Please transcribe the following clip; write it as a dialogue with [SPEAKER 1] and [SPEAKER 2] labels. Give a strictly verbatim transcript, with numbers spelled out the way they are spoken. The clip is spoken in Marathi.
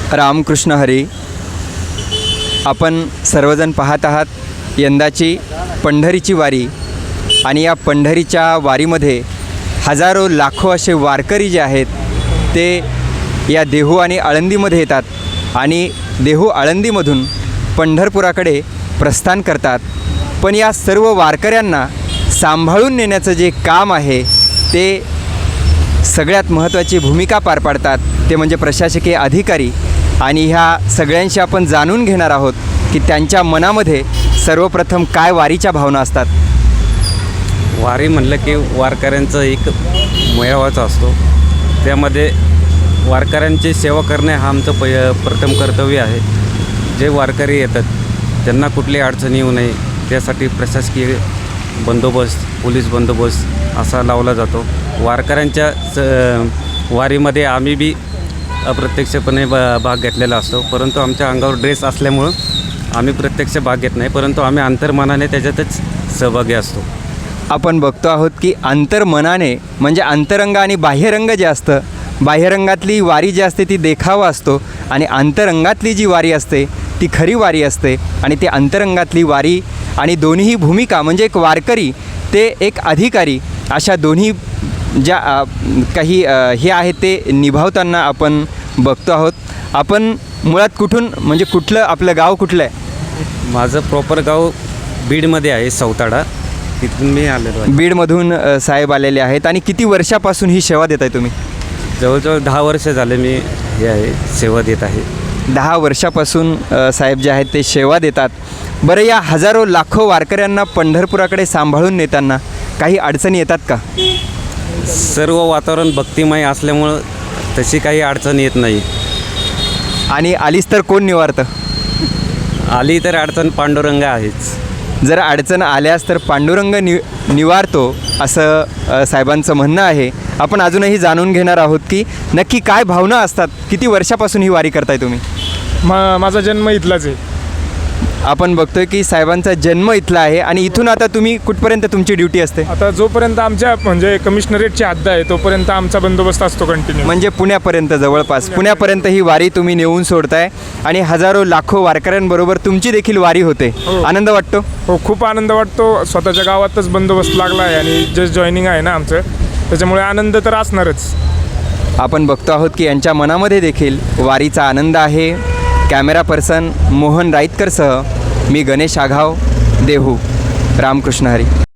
[SPEAKER 1] रामकृष्ण हरी. आपण सर्वजण पाहत आहात यंदाची पंढरीची वारी आणि या पंढरीच्या वारीमध्ये हजारो लाखो असे वारकरी जे आहेत ते या देहू आणि आळंदीमध्ये येतात आणि देहू आळंदीमधून पंढरपुराकडे प्रस्थान करतात. पण या सर्व वारकऱ्यांना सांभाळून नेण्याचं जे काम आहे ते सगळ्यात महत्त्वाची भूमिका पार पाडतात ते म्हणजे प्रशासकीय अधिकारी. आणि ह्या सगळ्यांशी आपण जाणून घेणार आहोत की त्यांच्या मनामध्ये सर्वप्रथम काय वारीच्या भावना असतात.
[SPEAKER 2] वारी म्हणलं की वारकऱ्यांचं एक मेळावाचा असतो. त्यामध्ये वारकऱ्यांची सेवा करणे हा आमचं पय प्रथम कर्तव्य आहे. जे वारकरी येतात त्यांना कुठली अडचण येऊ नये त्यासाठी प्रशासकीय बंदोबस्त, पोलीस बंदोबस्त असा लावला जातो. वारकऱ्यांच्या स वारीमध्ये आम्ही बी अप्रत्यक्षपणे ब भाग घेतलेला असतो, परंतु आमच्या अंगावर ड्रेस असल्यामुळं आम्ही प्रत्यक्ष भाग घेत नाही, परंतु आम्ही अंतर्मनाने त्याच्यातच सहभागी असतो.
[SPEAKER 1] आपण बघतो आहोत की अंतर्मनाने म्हणजे अंतरंग आणि बाह्यरंग जे असतं, बाह्यरंगातली वारी जी असते ती देखावा असतो आणि अंतरंगातली जी वारी असते ती खरी वारी असते. आणि ती अंतरंगातली वारी आणि दोन्ही भूमिका म्हणजे एक वारकरी ते एक अधिकारी अशा दोन्ही ज्या काही हे आहेत ते निभावताना आपण बघतो आहोत. आपण मुळात कुठून म्हणजे कुठलं आपलं गाव कुठलं आहे?
[SPEAKER 2] माझं प्रॉपर गाव बीडमध्ये आहे, सौताडा. तिथून मी आलेलो आहे.
[SPEAKER 1] बीडमधून साहेब आलेले आहेत. आणि किती वर्षापासून ही सेवा देत आहे तुम्ही?
[SPEAKER 2] जवळजवळ दहा वर्ष झाले मी हे आहे सेवा देत आहे.
[SPEAKER 1] दहा वर्षापासून साहेब जे आहेत ते सेवा देतात. बरं, या हजारो लाखो वारकऱ्यांना पंढरपुराकडे सांभाळून नेताना काही अडचणी येतात का?
[SPEAKER 2] सर्व वातावरण भक्तिमय असल्यामुळं तशी काही अडचण येत नाही.
[SPEAKER 1] आणि आलीच तर कोण निवारतं?
[SPEAKER 2] आली तर अडचण पांडुरंग आहेच.
[SPEAKER 1] जर अडचण आल्यास तर पांडुरंग नि निवारतो असं साहेबांचं म्हणणं आहे. आपण अजूनही जाणून घेणार आहोत की नक्की काय भावना असतात. किती वर्षापासून ही वारी करताय तुम्ही?
[SPEAKER 3] मा माझा जन्म इथलाच आहे.
[SPEAKER 1] आपण बघतोय की साहेबांचा जन्म इथला आहे. आणि इथून आता तुम्ही कुठपर्यंत तुमची ड्युटी असते?
[SPEAKER 3] आता जोपर्यंत आमच्या म्हणजे कमिशनरेटची हद्द आहे तोपर्यंत आमचा बंदोबस्त असतो कंटिन्यू.
[SPEAKER 1] म्हणजे पुण्यापर्यंत, जवळपास पुण्यापर्यंत ही वारी तुम्ही नेऊन सोडताय आणि हजारो लाखो वारकऱ्यांबरोबर तुमची देखील वारी होते.
[SPEAKER 3] हो.
[SPEAKER 1] आनंद वाटतो?
[SPEAKER 3] हो, खूप आनंद वाटतो. स्वतःच्या गावातच बंदोबस्त लागला आहे आणि जस्ट जॉईनिंग आहे ना आमचं, त्याच्यामुळे आनंद तर असणारच.
[SPEAKER 1] आपण बघतो आहोत की यांच्या मनामध्ये देखील वारीचा आनंद आहे. कॅमेरा पर्सन मोहन राईतकरसह मी गणेश आघाव, देहू. रामकृष्ण हरी.